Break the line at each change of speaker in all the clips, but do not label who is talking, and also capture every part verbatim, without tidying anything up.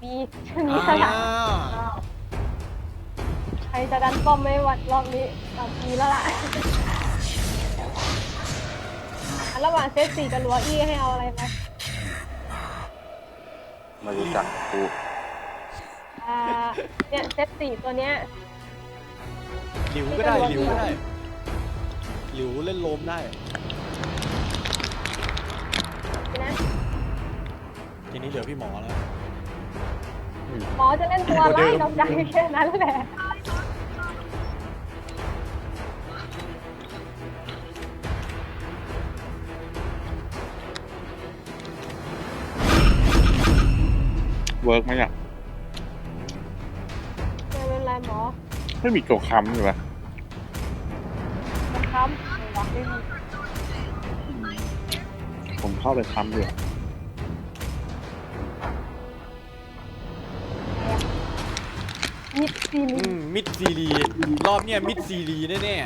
มีมีสลับใครจะดันป้อมไม่วัดรอบนี้เอามีแล้วล่ะอันระหว่างเซตสี่กับลัวอี้ให้เอาอะไรไป
ไมารู้จักกู
อ่าเนี่ยเซตสี่ตัวเนี้ย
หลิวก็ได้หลิวก็ได้หลิวเล่นโลมได้
นะ
ทีนี้เหลือพี่หมอแล้ว
หมอจะเล่นตัวไล่ดอกใจแค่นั้นแหละ
เวิร์กไหมอ่ะ
ไม่เป็นไรหมอ
ไม่มีตัวค้ำอยู่ปะ
ตัวค้ำไม่หรอกไม่มี
ผมเข้าไปค้ำอยู่
มิดซีรี
มิดซีรีรอบเนี้ยมิดซีรีแน่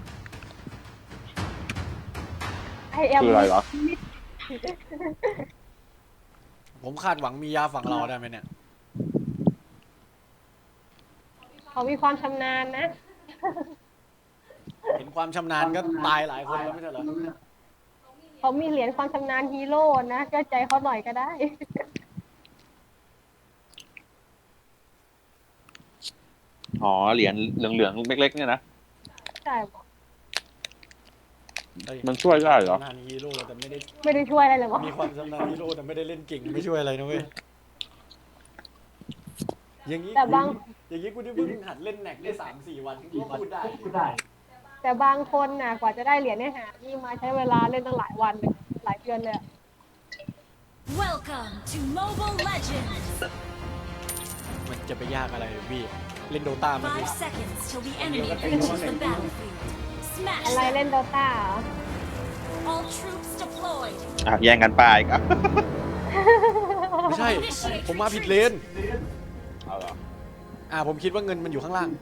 ไอแอม
คืออะไรเหรอ
ผมคาดหวังมียาฝั่งเราได้ไหมเนี่ย
เขามีความชำนาญนะ
เห็นความชำนาญก็ตายหลายคนแล้วไม่ใช่เหรอ
เขามีเหรียญความชำนาญฮีโร่นะก็ใจเขาหน่อยก็ได้
อ๋อเหรียญเหลืองๆเล็กๆเนี่ยนะ
ใช่
มันช่วยได้เหรอ
ชำนาญฮีโร่แต่ไม่ได้
ไม่ได้ช่วยอะไรเลยมั้ง
มีความชำนาญฮีโร่แต่ไม่ได้เล่นเก่งไม่ช่วยอะไรนะเว้ยอย่างนี้
แต่บาง
อย่างนี้กูได้เพิ่งหัดเล่นแน็กได้สามสี่วันกูพูดได้
แต่บางคนน่ะกว่าจะได้เหรียญเนี่ยหานี่มาใช้เวลาเล่นตั้งหลายวันเลยหลายเดือนเลย
Welcome to Mobile Legends
มันจะไปยากอะไรพี่เล่นโดตามัน
Five seconds till the enemy reaches the battlefield
อะไร
Smash
เล่นโดตาเหรอ
All troops deployed
อ่ะแย่งกันป้ายครับ
ไม่ใช่ผมมาผิดเลน
เอาเหรอ
อ่าผมคิดว่าเงินมันอยู่ข้างล่าง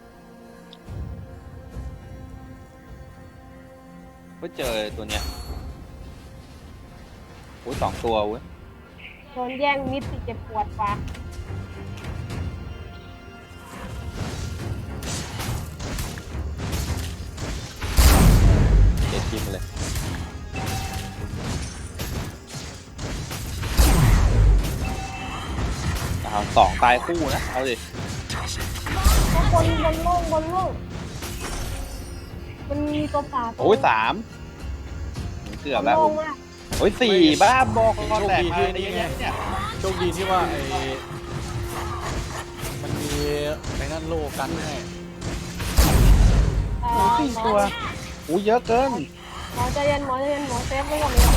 ก็เจอตัวเนี้ยโอ้ยสองตัวเว้ย
โดนแย่งมิดสิเจ็บปวดปะ
เจ็ดทีมเลยเอาสองตายคู่นะเอาดิ
บนบนโล่งบนโล่งมันมีตัวป่า
โอ้ยสามเกือบแล้ว
โล่งมาก
โอ้ยสี่บ้าบอกก็แตกมา
นี่
เนี่ย
โชคดีที่ว่าไอ้มันมีไอ้นั่นโลกันให้
เอ่อ
สี่
หมอ
ตัวอู้เยอะเกิน
หมอใจเย็นหมอใจเย็นหมอเซฟไว้ก่อนเลย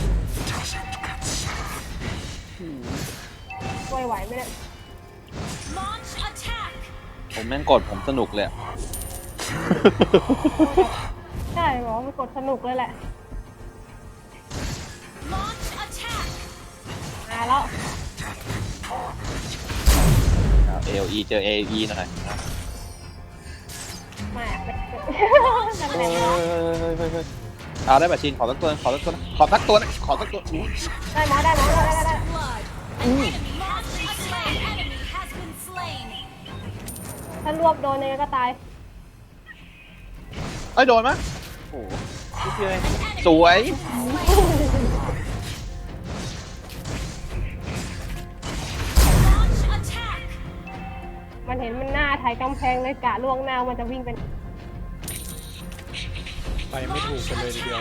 ช่วยไหวไหมเนี่ย
Launch attack
ผมแม่งกดผมสนุกเลย
ใช่หมอมันกดสนุกเลยแหละ
Launch attack
มาแล้ว
เอลอีเจอเอลีหน่อย
มาเป็น
เฮ้ยเฮ้ยเฮ้ยเอาได้แบบชินขอสักตัวขอสักตัวขอสักตัวขอสักตัว
ได้หมอได้หมอได้ได้ได้
blood An enemy lost a slain enemy has been slain
ถ้ารวบโดนยังไงก็ตาย
เอ้ยโดนมั้ยโอ้โหสวย
Launch attack
มันเห็นมันหน้าไถกำแพงเลยกะล่วงหน้ามันจะวิ่งเป็น
ไปไม่ถูกกันเลยทีเดียว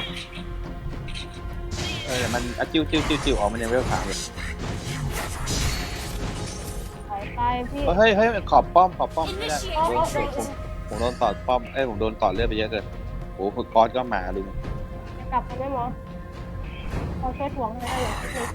เออมันจิ้วจิ้วจิ้วจิ้วออกมันยังไม่ผ่านเลย
ถอยไปพี่
เฮ้ยเฮ้ยขอบป้อมขอบป้อมไม่ได้ผมผมโดนต่อป้อมเอ้ยผมโดนต่อเลือดไปเยอะเกินโอ้โหกอสก็มาลุง
กลับไปไหมหมอเขาช่วยถ่วงให้ได้อย่างนี้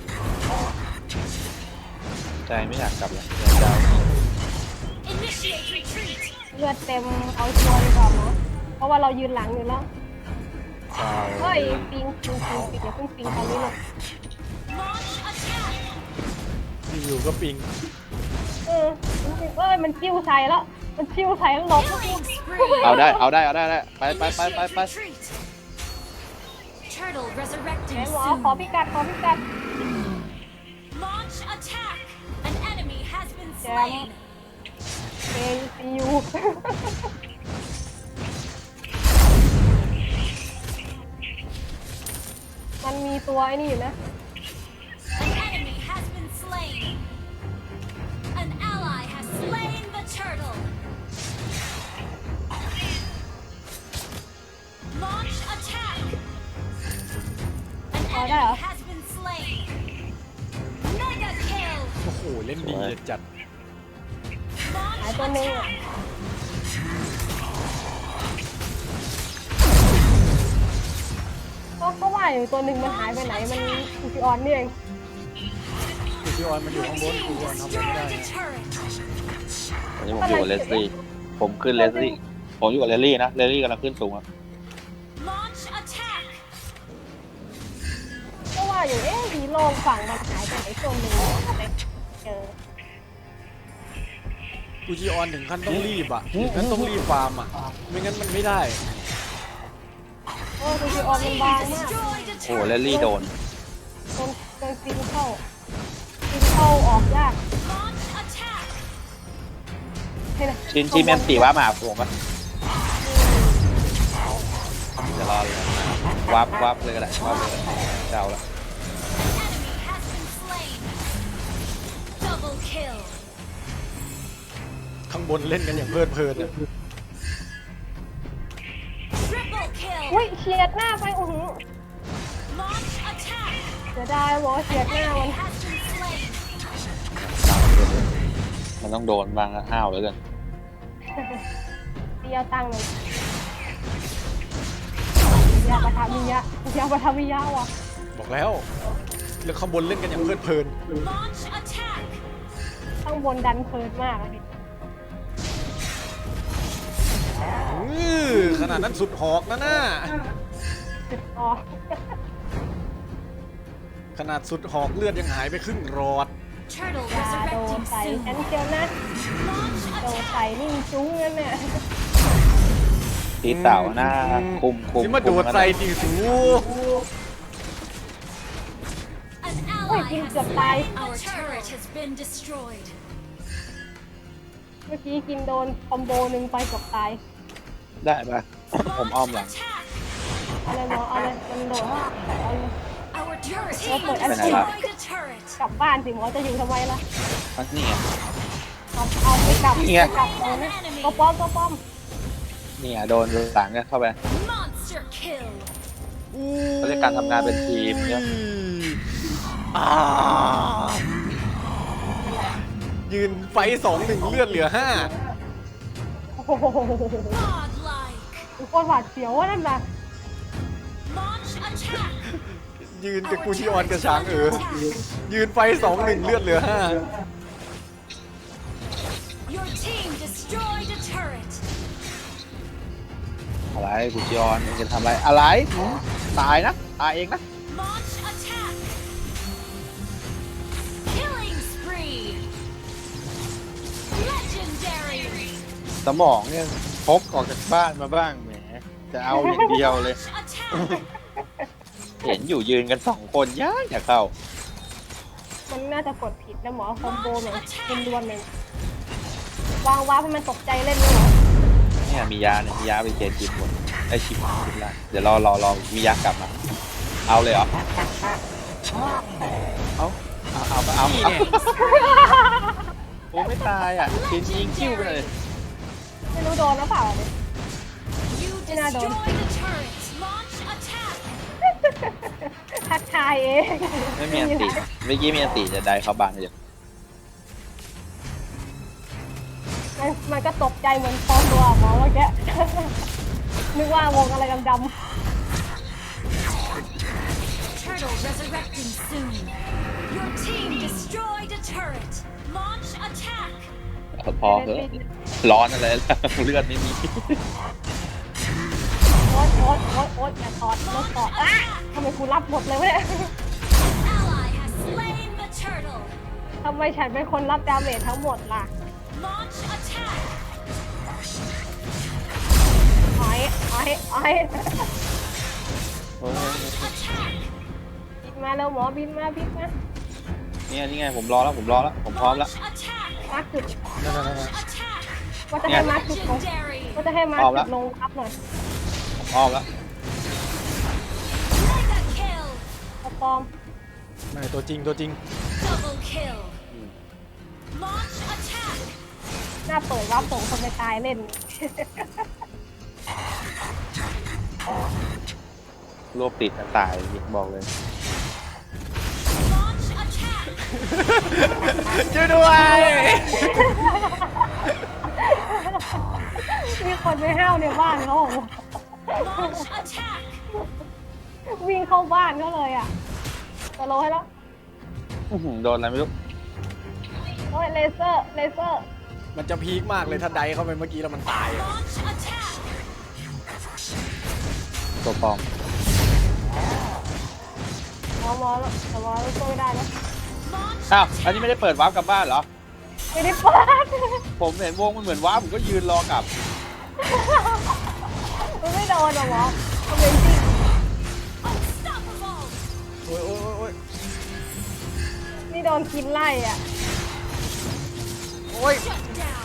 ใจไม่อยากกลับเลยอยาก
Initiate retreat
เลือดเต็มเอาชัวร์ดีกว่าหมอเพราะว่าเรายืนหลังอยู่แล้ว
จะ
เฮ้ยปิงปิงปิงปิงอย่าเพิ่งปิงตอนนี้เลย
Launch attack
อยู่ๆก็ปิง
เออเอ้ยมันจิ้วใส่แล้วมันจิ้วใส่แล้วหลบ
Killing spree
เอาได้เอาได้เอาได้ได้ไปไปไปไปไป
Retreat Turtle
ไหน
resurrecting
หมอ
soon
ขอพิกัดขอพิกัด
Launch attack An slain.
เอซียู มันมีตัวไอ้นี่อยู่นะ
An enemy has been slain. An ally has slain the turtle. Launch attack. An
Oh,
enemy
there.
has been slain. Mega kill.
โอ้โหเล่นดีจัด
Launch
หายตัวหนึงอะ
attack.
ก็ก็ว่าอยู่ตัวหนึ่งมันหายไปไหนมันคูซิออนนี่เอง
กูพี่ออนมันอยู่
Your
ข้างบน
team
กูออนทำอะไรไม่ได้
destroyed a turret.
อันนี้ผมอยู่กับเลสลี่ผมขึ้นเลสลี่ผมอยู่กับเลสลี่นะเลสลี่กำลังขึ้นสูงอะ
Launch attack.
ก็ว่าอยู่เอ๊ะฮีโร่ฝั่งมันหายไปไหนตัวหนึ่งทำไมเจอ
กูจีออนถึงขั้นต้องรีบอ่ะถึงขั้นต้องรีบฟาร์มอ่ะไม่งั้นมันไม่ได้
โอ้คูซิออนมัน
Team
บางมาก
destroyed a
โอ้เลส
turret.
ลี่โดน
โดนโดนซิงเข้าซิงเข้าออกยาก
Launch attack.
ให้นะ
ชินชินแมนตีว่ามาหาผมปะเดี๋ยวรอเลยวับวับเลยก็ได้วับเลยเจ้าละ
Enemy has been slain. Double kill.
ข้างบนเล่นกันอย่างเพลิดเพลินอะ
Triple kill.
อุ้ยเฉียดหน้าไปโอ้โห
Launch attack.
เสียดายบอกว่าเฉียดหน้ามัน
Enemy has been slain.
มันต้องโดนบางห้าวเลยกัน
เตียวตังเลยยาปะทามิยะยาปะทามิยะว่ะ
บอกแล้วเรื่องข้างบนเล่นกันอย่างเพลิดเพลิน
Launch attack.
ข้างบนดันเพลินมากเลย
อื้อขนาดนั้นสุดหอกนะน่า
จุดออก
ขนาดสุดหอกเลือดยังหายไปครึ่งรอด
Turtle
ยาโดน
resurrecting
ใส่
soon.
ฉันเจียวนะ
Launch
โดน
attack.
ใส่นิ่งจุ้งนั่นเนี่ย
ตีเต่าหน้าคุมคุม
ที่มาโดดใส่ตีสู
An
Ôi,
ally
kim
has
chụp tay.
slain. Our turret has been destroyed.
เมื่อกี้กินโดนคอมโบหนึ่งไปเกับตาย
ได้ปะ ผมอ้อมหลัง
Attack.
เอาเลยหมอเอาเลยมันโดดเอาเลย
Our turret
Ủa,
team
ôi, anh
destroyed
chị.
a turret.
กลับบ้านสิหมอจะอยู่ทำไมล่ะ
อ่ะนี่ไง
เอาเอาไปกลับ
นี่ไง
ไปกลับเอานะตัวป้อมตัวป้อม
นี่อ่ะโดนหลังกันเข้าไป
Monster kill.
เขาเรียกการทำงานเป็นทีมเนี่ย
อ่ายืนไฟสองหนึ่งเลือดเหลือห้า
โอ้โห
Godlike.
โคตรหวาดเสียวว่านั่นน่ะ
Launch attack.
ยืนกับกูชิออนกับช้างเออยืนไฟสองหนึ่งเลือดเหลือห้า
Your team destroyed a turret.
อะไรกูจอนมึงจะทำอะไรอะไรหืมตายนะตายเองนะ
Launch attack. Killing spree. Legendary.
สมองเนี่ยพกออกจากบ้านมาบ้างแหมจะเอาอย่างเดียวเลย
Launch attack.
เห็นอยู่ยืนกันสองคนยากอยากเข้า
มันน่าจะกดผิดนะหมอคอมโบเหมือนเป็นดวนเลยวางวาร์ปให้มันตกใจเล่นเลยเหรอ
เนี่ยมียาเนี่ยมียาไปเจนจิบหมดไอชิบชิบละเดี๋ยวรอรอรอมียากลับมา เอาเลยเหรอเอาเอาเอาเอา
นี่
เอา
เนี่ย
โอ้ไม่ตายอ่ะชินยิงคิ้วไปเลย
ไม่รู้โดนหรือเปล่าเนี่ย
You
Thế nào rồi?
destroyed a turret. Launch attack.
ทักทายเอง
ไม่มีอันติเมื่อกี้มีอันติจะได้เข้าบ้านเลย
มันมันก็ตกใจเหมือนฟองตัวหมอเมื่อกี้ นึกว่าวงอะไรดำ
Turtle resurrecting soon. Your team destroyed a turret. Launch attack.
พอเถอะร้อนอะไรล่ะเลือดไม่มี
ๆโอ๊ตโอ๊ตโอ๊ตโอ๊ตอย่าถอดโอ๊ตถอดอ่ะทำไมกูรับหมดเลยวะเนี่ย
Ally has slain the turtle.
ทำไมฉันเป็นคนรับดาเมจทั้งหมดล่ะ
Launch attack.
อ้อยอ้อยอ้อย
โอ้ย
Attack.
บินมาแล้วหมอบินมาบินมา
เนี่ยนี่ไงผมรอแล้วผมรอแล้วผมพร้อมแล้ว
Launch attack.
มาร์คจุด
นั่นนั่นนั่น
Attack!
ว่าจะให้มาร์คจุดลง
Legendary!
ว่าจะให้มาร์คจุดลงครับหน่อย
อ้อมแล้ว
Mega kill!
ปลอม
ไม่ตัวจริงตัวจริง
Double kill! Launch attack!
หน้าเปิดว่าส่งคนไปตายเล่น
รวบติดตายบอกเลย
Launch attack!
ช่วยด้วย
มีคนไม่ห้าวในบ้านเขา
Launch attack!
วิ่งเข้าบ้านเขาเลยอ่ะตะโลให้แล้ว
อื้อหือโดนอะไรไม่รู้
โอ้ยเลเซอร์เลเซอร์
มันจะพีคมากเลยถ้าไดเข้าไปเมื่อกี้แล้วมันตายอะ
Launch attack!
ตัวปลอม
มอมอแล้วแต่มอแล้วช่วยไม่ได้นะ
Launch
อ้าวอันนี้ไม่ได้เปิดวาร์ปกลับบ้านเหรอ
ไม่ได้เปิด
ผมเห็นวงมันเหมือนวาร์ปผมก็ยืนรอกลับ
มันไม่โดนหรอหมอมันเป็นจริง
unstoppable!
โอ้ยโอ้ยโอ้ยโอ้ย
นี่โดนกินไล่อ่ะ
โอ้ย
Shut down!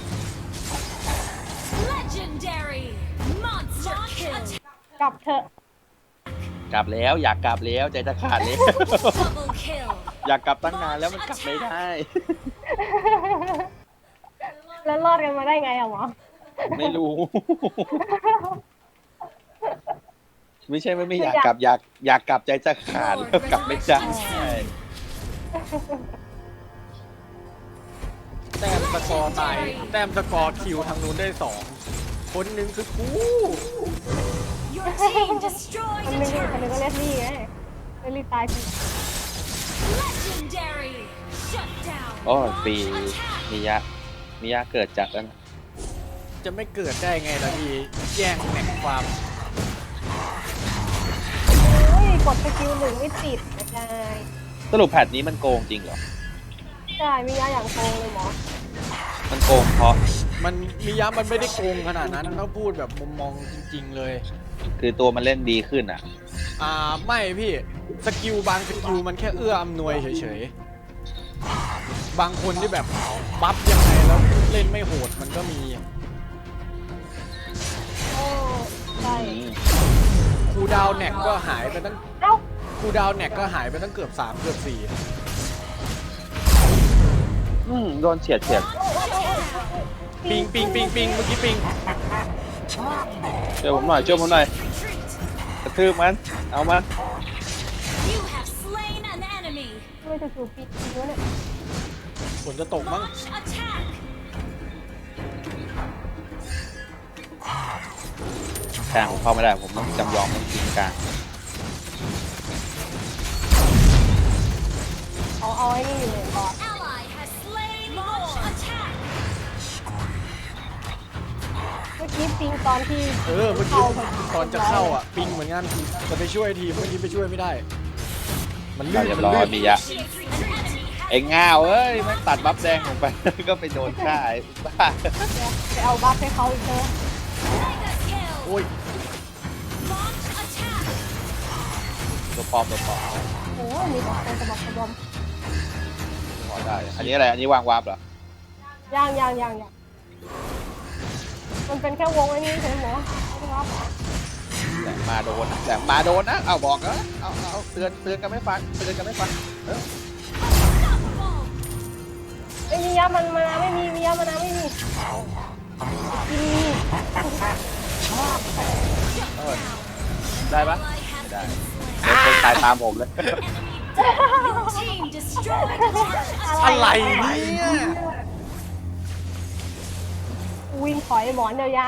Legendary! Monster kill!
กลับเถอะ
กลับแล้วอยากกลับแล้วใจจะขาดแล้ว
Double kill!
อยากกลับตั้งนานแล้วมันกลับไม่ได้
แล้วรอดกันมาได้ไงอะหมอ
ไม่รู้ ไม่ใช่ไม่ไม่อยากกลับอยากอยากกลับใจจะขาดแล้วกลับไม่ได้
แต้มสกอร์ตายแต้มสกอร์คิวทางนู้นได้สองคนหนึ่งคือกู
Your team destroyed
คน
a
นึงคนนึง
turret!
ก็เล่นนี่ไงเล่นนี่ตายจริง
Legendary! Shut down!
โอ้ย
Launch
ปี
attack!
มียะมียะเกิดจากนั้น
จะไม่เกิดได้ไงล่ะพี่แย่งแหน่งความ
โอ้ยกดสกิลหนึ่งไม่ติดไม่ได้
สรุปแพทนี้มันโกงจริงเหรอ
ใช่มียาอย่างโกงเลยหมอ
มันโกงเพราะ
มันมีย้ำมันไม่ได้โกงขนาดนั้นถ้าพูดแบบมุมมองจริง ๆ เลย
คือตัวมันเล่นดีขึ้นอ่ะ
อ่าไม่พี่สกิลบางสกิลมันแค่เอื้ออำนวยเฉยๆบางคนที่แบบบัฟยังไงแล้วเล่นไม่โหดมันก็มี
โอ้ใช่
คูลดาวน์แน็กก็หายไปตั้ง
เอ้า
คูลดาวน์แน็กก็หายไปตั้งเกือบสามเกือบสี่
อืมโดนเฉียดเฉียด
ปิงปิงปิงปิงเมื่อกี้ปิง
ช่วยผมหน่อยช่วยผมหน่อย
Retreat!
กระทืบมัน เอามัน
You have slain an enemy!
ไม่จะจูบปิดจริงวะเนี่ย
ฝนจะตกมั้ง
Launch attack!
แทงผมเข้าไม่ได้ ผมต้องจำยอมต้องกินกลาง
เอาเอาไอ้นี่อยู่เลยก่อน
Ally has slain Launch attack!
เมื่อกี้ปิงตอนที่
เออเมื่อกี้ตอนจะเข้าอ่ะปิงเหมือนกันจะไปช่วยทีมเมื่อกี้ไปช่วยไม่ได้ มันลื่น
เรียบ
มัน
ร้อย
ลื่น
มียะ
An enemy has
ไอ้ง่าวเอ้ยแม่งตัดบัฟแดงผมไป ก็ไปโดนฆ่าไอ้บ้า
ไปเอาบัฟให้เขาอีกเถอะ
mega kill!
โอ้ย
Launch attack!
ตัวปลอมตัวปลอม
โอ้ยมีแต่คนสะบักสะบอม
พอได้ อันนี้อะไร อันนี้วางวาร์ปเหรอ
ย่างย่างย่างย่างมันเป็นแค่วงไอ้นี่ใช่ไหมหมอไม่ครับ
แสงมาโดนนะแสงมาโดนนะ เอาบอกนะเอาเอาเตือนเตือนกันไม่ฟัง เตือนกันไม่ฟังเออ
Unstoppable!
ไม่มียามันมาไม่มีมียามันมาไม่มีกิน
เออได้ปะ
Ally
ไม่
has
ได้
been
เดี๋ยวคนตายตามผมเลย
slain. Your team destroyed a turret!
อะไรเนี่ย
วิ่งถอยหมอนยาว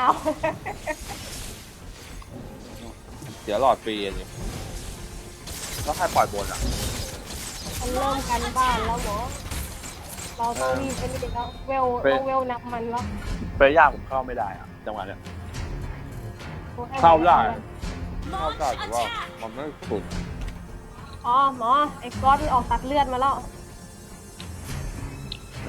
เดี๋ยวหลอดฟรีอันนี้แล้วใครปล่อยบนอ่ะ
ๆมันเริ่มกันบ้านแล้วหมอเราต้องรีบไปนิดแล้วเวลต้องเวลนับมันแล้ว
เฟรย่าผมเข้าไม่ได้อ่ะ จังหวะเนี้ย เข้าได้ เข้า
Launch
ได้แต่ว่า
attack!
มันไม่สุด
อ๋อหมอไอ้ก๊อตมันออกตัดเลือดมาแล้ว
ไหน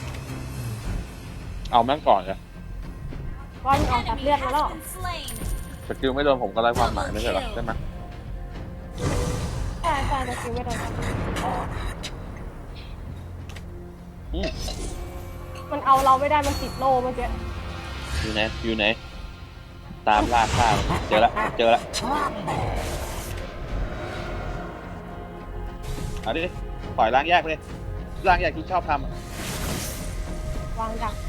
เอาแม่งก่อนเลย
ก๊อตมันออกตัด
Enemy
เลือดมาแล้ว
has been slain.
สกิลไม่โดนผมก็ไล่ความหมายไม่ใช่เหรอใช่ไหม
ใช่ใช่จะคิวไม่โดน
อืม
มันเอาเราไม่ได้มันติดโล่เมื่อกี้
อยู่ไหนอยู่ไหนตามล่าข้าวเจอละเจอละเอาดิปล่อยล้างแยกเลยล้างแยกที่ชอบทำอะ
วางดัก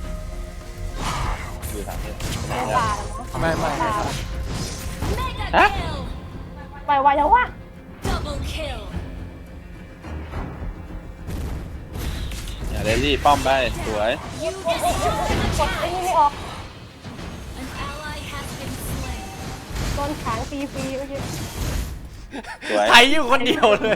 อยู่ทางนี้
ในป่าแล้วมั้ง
ไม่ไม่ไม่ครับ
Mega
Hả?
kill.
ไปไวแล้ววะ
Double kill.
อย่าเรลลี่ป้อมไปสวย
You destroyed
กดไอ้นี่ไม่ออก
an ally has been slain.
โดนขางฟรีๆเมื่อกี้
สวย
ไทยอยู่คนเดียวเลย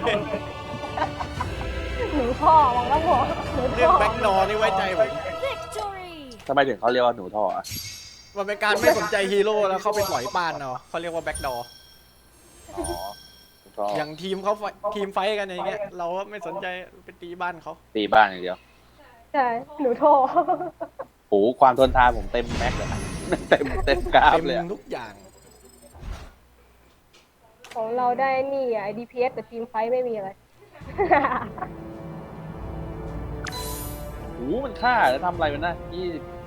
หนูท่อวางแล้วหัวหนู
เรื่อง
ท่อ
แบ็กดอร์นี่ไว้ใจผม
Victory.
ทำไมถึงเขาเรียกว่าหนูท่ออะ
มันเป็นการไม่สนใจฮีโร่แล้วเข้าไปถอยป้านเนาะเขาเรียกว่าแบ็กดอร์
อ๋อหนูท่อ
อย่างทีมเขาไฟทีมไฟท์กันอย่างเงี้ยเราก็ไม่สนใจไปตีบ้านเขา
ตีบ้านอย่างเดียว
ใช่หนูท่อ
โหความทนทานผมเต็มแม็กเลยอะเต็มเต็มกราฟ
เต็ม
เลยอะ
ทุกอย่าง
ของเราได้นี่อ่ะ ดี พี เอส แต่ทีมไฟท์ไม่มีอะไร
โหมันฆ่าแล้วทำอะไรมันนะยี่สิบ